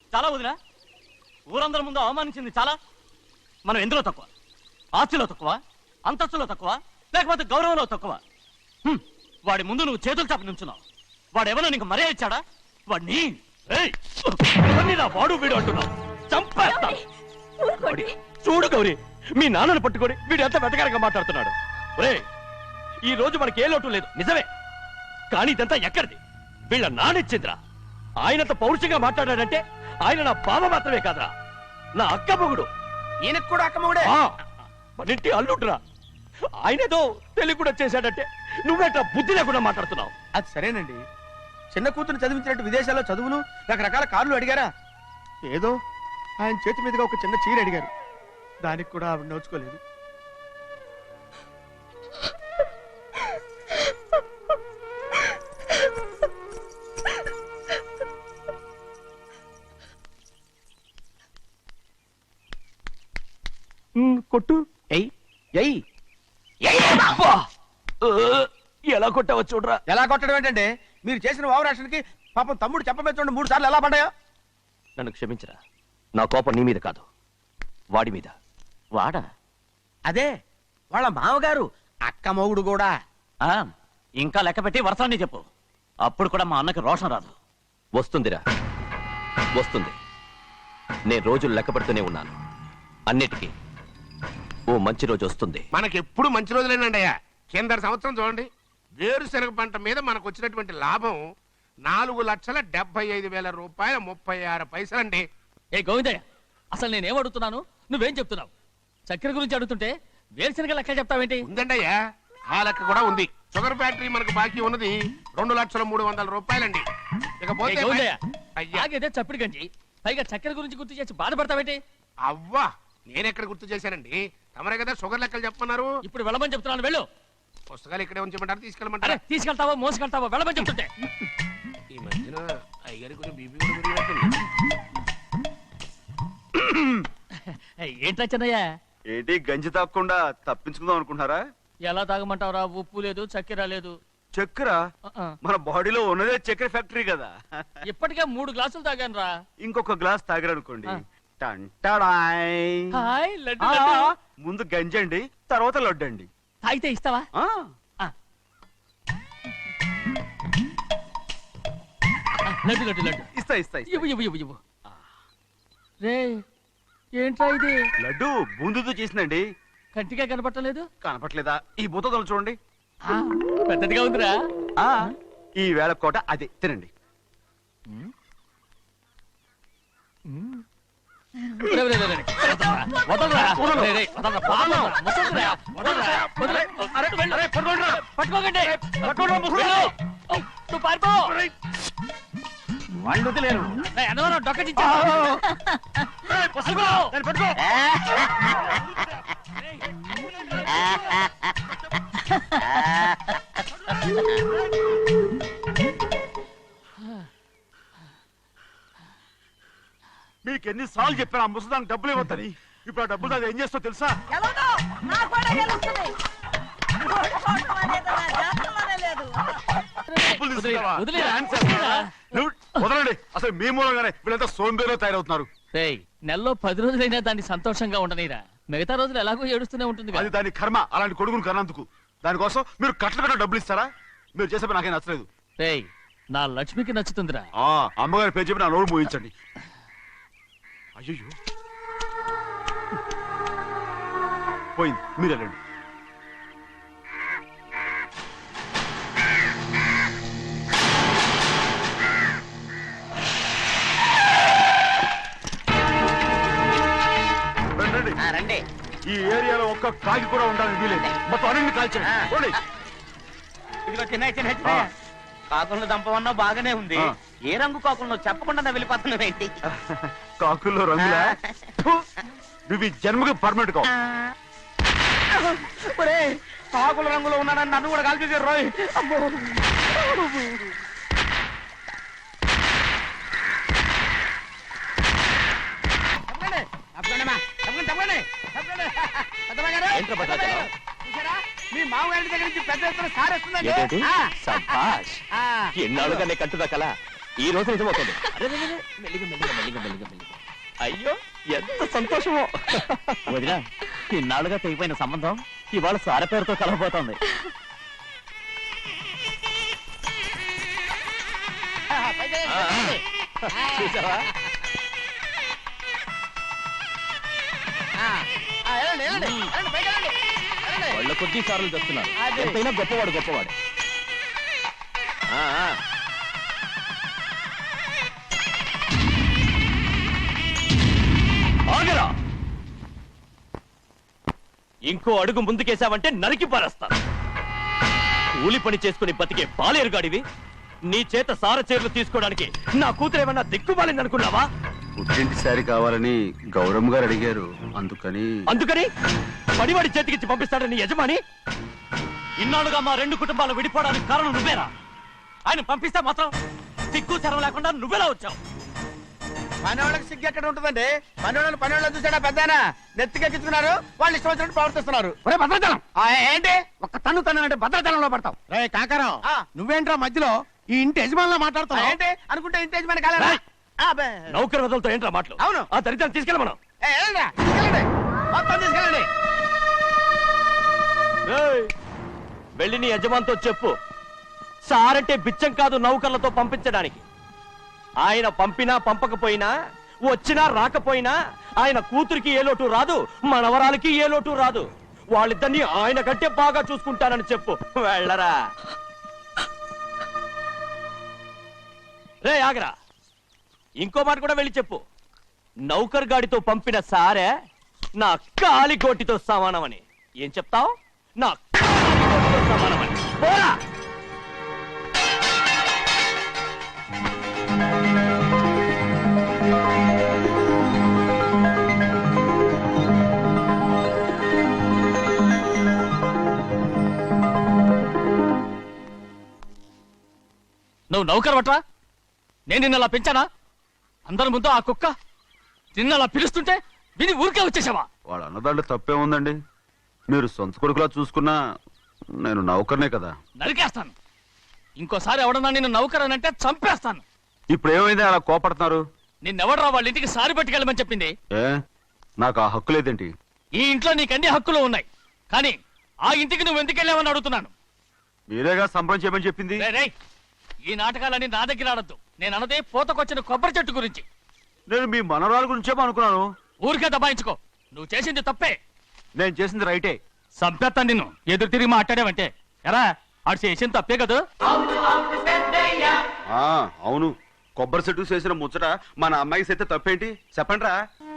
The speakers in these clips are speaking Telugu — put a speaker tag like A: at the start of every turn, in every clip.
A: చాలా వదినా, ఊరందరి ముందు అవమానించింది చాలా. మనం ఎందులో తక్కువ? ఆస్తిలో తక్కువ, అంతస్తులో తక్కువ, లేకపోతే గౌరవంలో తక్కువ? వాడి ముందు నువ్వు చేతులు చాపి నుంచున్నావు. వాడు ఎవరో నీకు మర్యాద ఇచ్చాడా? వాడిని వాడు వీడు అంటున్నావు, చంపేస్తా. చూడు గౌరీ, మీ నాన్నను పట్టుకొని వీడు ఎంత వెతకారంగా మాట్లాడుతున్నాడు. ఒరే, ఈ రోజు మనకి ఏ లోటు లేదు నిజమే, కానీ ఇదంతా ఎక్కడిది? వీళ్ళ నానిచ్చిందిరా. ఆయనంత పౌరుషంగా మాట్లాడాడంటే ఆయన నా బావ మాత్రమే కాదురా, నా అక్క మొగుడు.
B: ఈయనకు కూడా అక్క మొగుడే.
A: మనింటి అల్లుడురా. ఆయనేదో తెలివి కూడా చేశాడంటే నువ్వేట్లా బుద్ధి లేకుండా మాట్లాడుతున్నావు?
B: అది సరేనండి, చిన్న కూతురు చదివించినట్టు విదేశాల్లో చదువులు, రకరకాల కార్లు అడిగారా? ఏదో ఆయన చేతి మీదుగా ఒక చిన్న చీర అడిగారు, దానికి కూడా ఆవిడ నోచుకోలేదు.
A: కొట్టు. ఎలా కొట్టావో చూడరా.
B: ఎలా కొట్టడం ఏంటంటే, మీరు చేసిన వావరాక్షణకి పాపం తమ్ముడు చెప్పమే చూడండి 3 సార్లు ఎలా పడ్డాయో.
A: నన్ను క్షమించరా, నా కోపం నీ మీద కాదు, వాడి మీద. వాడా?
B: అదే వాళ్ళ మామగారు అక్క మొగుడు కూడా.
A: ఇంకా లెక్క పెట్టి వరసాన్ని చెప్పు, అప్పుడు కూడా మా అన్నకి రోషం రాదు. వస్తుందిరా, వస్తుంది. నేను రోజులు లెక్క పెడుతూనే ఉన్నాను. అన్నిటికీ ఓ మంచి రోజు వస్తుంది.
C: మనకెప్పుడు మంచి రోజులేనండి అయ్యా. కింద సంవత్సరం చూడండి, వేరుశనగ పంట మీద మనకు వచ్చినటువంటి లాభం 4,75,000 రూపాయల 36 పైసలండి.
A: ఏ గోవిందయ్య, అసలు నేనేం అడుగుతున్నాను, నువ్వేం చెప్తున్నావు? చక్కెర గురించి అడుగుతుంటే వేరుశనగ లెక్క చెప్తావేంటి?
C: ఉందండి అయ్యా, ఆ లెక్క కూడా ఉంది. షుగర్ ఫ్యాక్టరీ మనకు బాకీ ఉన్నది 2,03,00,000 రూపాయలండి.
A: ఇకపోతే చప్పిడి గంజి, పైగా చక్కెర గురించి గుర్తు చేసి బాధపడతావేంటి?
C: అవ్వా, నేనెక్కడ గుర్తు చేశానండి, తమరే కదా షుగర్ లెక్కలు చెప్పమన్నారు.
A: ఇప్పుడు వెళ్ళమని చెప్తున్నాను, వెళ్ళు.
C: పుస్తకాలు ఇక్కడే ఉంచమంటారు, తీసుకెళ్ళమంటారా?
A: తీసుకెళ్తావా మోసుకెళ్తావా? వెళ్ళమని చెప్తుంటే.
C: ఈ మధ్యన అయ్యగారి కొంచెం బీపీ కూడా పెరిగినట్టుంది.
A: ఏంట్రా చిన్నయ్య?
D: ఏంటి గంజి తాగకుండా తప్పించుకుందాం అనుకుంటున్నారా?
A: ఎలా తాగమంటావురా? ఉప్పు లేదు, చక్కెర లేదు.
D: చక్కెర మన బాడీలో ఉన్నదే చక్కెర ఫ్యాక్టరీ కదా.
A: ఇప్పటికే 3 గ్లాసులు తాగాను రా.
D: ఇంకొక గ్లాస్ తాగారనుకోండి, ముందు గంజండి, తర్వాత లడ్డండి.
A: తాగితే ఇస్తావా? లడ్డు లడ్డు లడ్డు
D: ఇస్తా ఇస్తా.
A: ఇవ్వు. రే, ఏంట్రా ఇది?
D: లడ్డు బూందుతో చేసిందండి.
A: కంటిగా కనపట్టలేదు.
D: కనపట్లేదా? ఈ బూతలు చూడండి,
A: పెద్దదిగా ఉందిరా.
D: ఈ వేళ కోట అదే, తినండి.
A: వాళ్ళు వదిలేరు.
D: మీకు ఎన్నిసార్లు చెప్పాను ఆ ముసదానికి డబ్బులు ఇవ్వద్దని. ఇప్పుడు ఆ డబ్బులు అది ఏం చేస్తో తెలుసా? వదలండి, అసలు మీ మూలంగానే వీళ్ళంతా సోంబేలో తయారవుతున్నారు.
A: నెలలో 10 రోజులైనా దాన్ని సంతోషంగా ఉండనీరా. మిగతా రోజులు ఎలాగో ఏడుస్తూనే ఉంటుంది.
D: అది దాని కర్మ, అలాంటి కొడుకును కన్నందుకు. దానికోసం మీరు కట్ల కట్ట డబ్బులు ఇస్తారా? మీరు చేసే నాకేం నచ్చలేదు.
A: నా లక్ష్మికి నచ్చుతుందిరా.
D: అమ్మగారి పేరు చెప్పి నా నోరు మోయించండి. అయ్యో పోయింది, మీరు వెళ్ళండి.
B: రండి.
D: ఈ ఏరియాలో ఒక్క కాకి కూడా ఉండాలని వీలేదు. మొత్తం అన్ని కాల్చండి.
B: ఇదిగో చిన్న కాకులను దంపమన్నా బాగానే ఉంది. ఏ రంగు కాకులను చెప్పకుండా వెళ్ళిపోతున్నావు ఏంటి?
D: కాకుల్లో రంగులా? నువ్వు ఈ జన్మకి పర్మనెంట్ కావు.
B: కాకుల రంగులో ఉన్నానని నన్ను కూడా కాల్చేసారు రోయ్. మీ మామగారి దగ్గర నుంచి పెద్ద ఎత్తున సారేస్తుందండి.
A: ఎన్నాళ్ళుగానే కట్టుదా కల ఈ రోజు నిజమవుతుంది. అరే, అరే, అరే, మెల్లిగా, మెల్లిగా, మెల్లిగా, మెల్లిగా, మెల్లిగా. అయ్యో ఎంత సంతోషమో. వదినా, ఇన్నాళ్ళుగా తెగిపోయిన సంబంధం ఇవాళ సార పేరుతో కలవబోతోంది. చూసావా? వాళ్ళ కొద్ది సార్లు తెస్తున్నారు. ఎంతైనా గొప్పవాడు గొప్పవాడు. ఆ, ఆ. ఆగరా! ఇంకో అడుగు ముందుకేశావంటే నరికి పారేస్తాను. కూలి పని చేసుకుని బతికే బాలేరుగాడివి నీ చేత సార చీరలు తీసుకోవడానికి నా కూతురు ఏమన్నా దిక్కుమాలింది అనుకున్నావా?
D: పుట్టింటి శారీ కావాలని గౌరమ్మ గారు అడిగారు,
A: అందుకని పడివాడి చేతికిచ్చి పంపిస్తాడని యజమాని. ఇన్నాళ్ళుగా మా రెండు కుటుంబాలు విడిపోవడానికి కారణం నువ్వేరా? ఆయన పంపిస్తే మాత్రం సిగ్గు శరం లేకుండా నువ్వెలా వచ్చావు?
B: పనివాళ్ళకి సిగ్గు ఎక్కడ ఉంటుందండి? పనివాళ్ళని చూసాడా పెద్దనా? నెత్తికెక్కించుకున్నారు, వాళ్ళు ఇష్టం వచ్చినట్టు ప్రవర్తిస్తున్నారు.
E: భద్రాచలం
B: ఏంటి
E: ఒక్క తన్ను తన్నంటే భద్రాచలంలో పడతావు. రే కాకారం,
B: ఆ.
E: నువ్వేంట్రా మధ్యలో ఈ ఇంటి యజమానిలా మాట్లాడుతావు?
B: ఏంటి అనుకుంటే ఇంటి యజమాని కాలేదా?
A: నౌకర్ వదలతో ఏంట్రా మాటలు?
B: అవును.
A: ఆ దరిద్రాన్ని తీసుకెళ్ళమను.
B: వెళ్ళండి, మొత్తం తీసుకెళ్ళండి.
A: ఏయ్, వెళ్ళి నీ యజమానితో చెప్పు, సారంటే బిచ్చం కాదు నౌకర్లతో పంపించడానికి. ఆయన పంపినా పంపకపోయినా, వచ్చినా రాకపోయినా ఆయన కూతురికి ఏ లోటు రాదు, మనవరాలకి ఏ లోటు రాదు. వాళ్ళిద్దరిని ఆయన కంటే బాగా చూసుకుంటానని చెప్పు. వెళ్ళరా. రే ఆగరా, ఇంకో మాట కూడా వెళ్ళి చెప్పు, నౌకర్ గాడితో పంపిన సారే నా కాలిగోటితో సమానమని. ఏం చెప్తావు? నా కాలిగోటితో సమానమని. పోరా. నువ్వు నౌకర్ వట్రా? నేను నిన్న అలా పెంచానా? అందరి ముందు ఆ కుక్క నిన్న అలా పిలుస్తుంటే విని ఊరికే వచ్చేసావా?
D: వాడు అన్నదాంట్లో తప్పే ఉందండి. మీరు సొంత కొడుకులా చూసుకున్నా నేను నౌకర్నే కదా.
A: నరికేస్తాను. ఇంకోసారి ఎవడన్నా నిన్ను నౌకర్ అని అంటే చంపేస్తాను.
D: ఇప్పుడు ఏమైంది అలా కోపడుతున్నారు?
A: నిన్నెవడరా వాళ్ళ ఇంటికి సారి పట్టుకెళ్ళమని చెప్పింది?
D: ఏ నాకు ఆ హక్కు లేదేంటి?
A: ఈ ఇంట్లో నీకు అన్ని హక్కులు ఉన్నాయి, కానీ ఆ ఇంటికి నువ్వు ఎందుకు వెళ్ళావని అడుగుతున్నాను.
D: మీరేగా సంబరం చేయమని చెప్పింది.
A: రేయ్, రేయ్, ఈ నాటకాలన్నీ నా దగ్గర ఆడద్దు. నేను అన్నదే పూతకొచ్చిన కొబ్బరి చెట్టు గురించి.
D: నేను మీ మనవరాల గురించేమో అనుకున్నాను.
A: ఊరికే దబాయించుకో. నువ్వు చేసింది తప్పే.
D: నేను చేసింది రైటే.
A: సంపేత్తాను నిన్ను ఎదురు తిరిగి మాట్లాడావంటే. ఎరా, ఆడు చేసింది తప్పే కదా?
D: ఆ అవును, కొబ్బరి చెట్టు చేసిన ముచ్చట మన అమ్మాయికి చేస్తే తప్పేంటి చెప్పండిరా.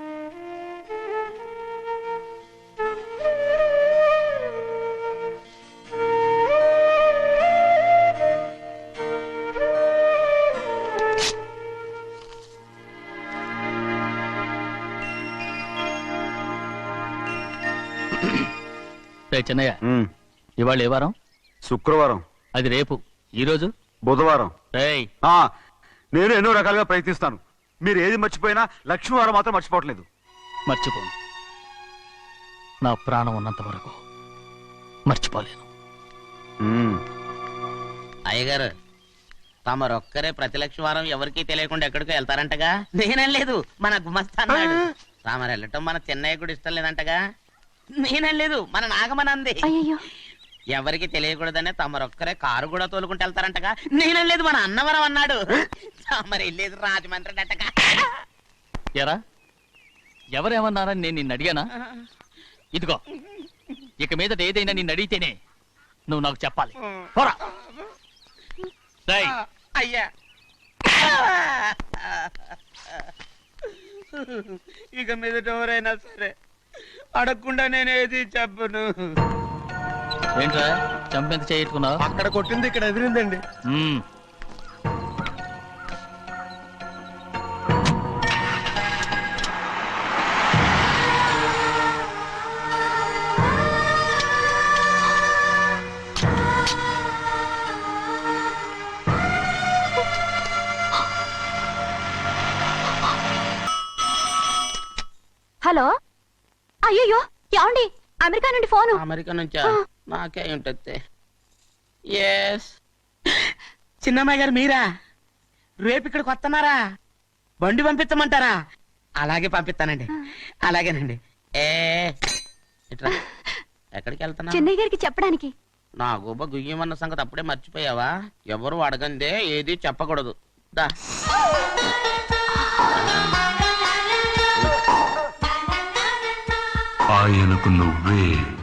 A: చెన్నయ్య,
D: ఉమ్,
A: ఇవాళ ఏ వారం?
D: శుక్రవారం.
A: అది రేపు. ఈ రోజు
D: బుధవారం.
A: రేయ్,
D: ఆ నేను ఎన్నో రకాలుగా ప్రయత్నిస్తాను. మీరు ఏది మర్చిపోయినా లక్ష్మీవారం మాత్రం మర్చిపోవట్లేదు.
A: మర్చిపోను. నా ప్రాణం ఉన్నంత వరకు మర్చిపోలేను.
D: ఉమ్,
F: అయ్యగారు, తమరొక్కరే ప్రతి లక్షవారం ఎవరికీ తెలియకుండా ఎక్కడికో వెళ్తారంటగా? నేనలేదు, మన గుమస్తా అన్నాడు. తామరు వెళ్ళటం మన చెన్నయ్య కూడా ఇష్టం లేదంటగా? నేనలేదు, మన నాగమనంది. ఎవరికి తెలియకూడదనే తమరొక్కరే కారు కూడా తోలుకుంటూ వెళ్తారంటగా? నేనలేదు, మన అన్నవరం అన్నాడు. తమరు వెళ్ళేది రాజమండ్రి అంటగా?
A: ఎరా, ఎవరేమన్నారని నేను నిన్ను అడిగానా? ఇదిగో, ఇక మీద ఏదైనా నిన్ను అడిగితేనే నువ్వు నాకు చెప్పాలి. పోరా. రేయ్,
F: అయ్యా, ఇక మీదట ఎవరైనా సరే అడగకుండా నేనేది చెప్పను.
A: ఏంట్రా చంపెంత చేయించుకున్నావు?
B: అక్కడ కొట్టింది ఇక్కడ ఎదిరిందండి.
G: హలో, అయ్యో ఏమండి, అమెరికా నుండి ఫోను.
F: అమెరికా నుంచా? నాకే ఉంటుంది. ఎస్, చిన్నమ్మాయి గారు మీరా? రేపు ఇక్కడికి వస్తున్నారా? బండి పంపిస్తామంటారా? అలాగే పంపిస్తానండి. అలాగేనండి. ఇట్రా. ఎక్కడికి వెళ్తున్నా?
G: చెన్నై గారికి చెప్పడానికి.
F: నా గుబ్బ గుయ్యమన్న సంగతి అప్పుడే మర్చిపోయావా? ఎవరు అడగందే ఏది చెప్పకూడదు. దా.
H: ఆయనకు నువ్వే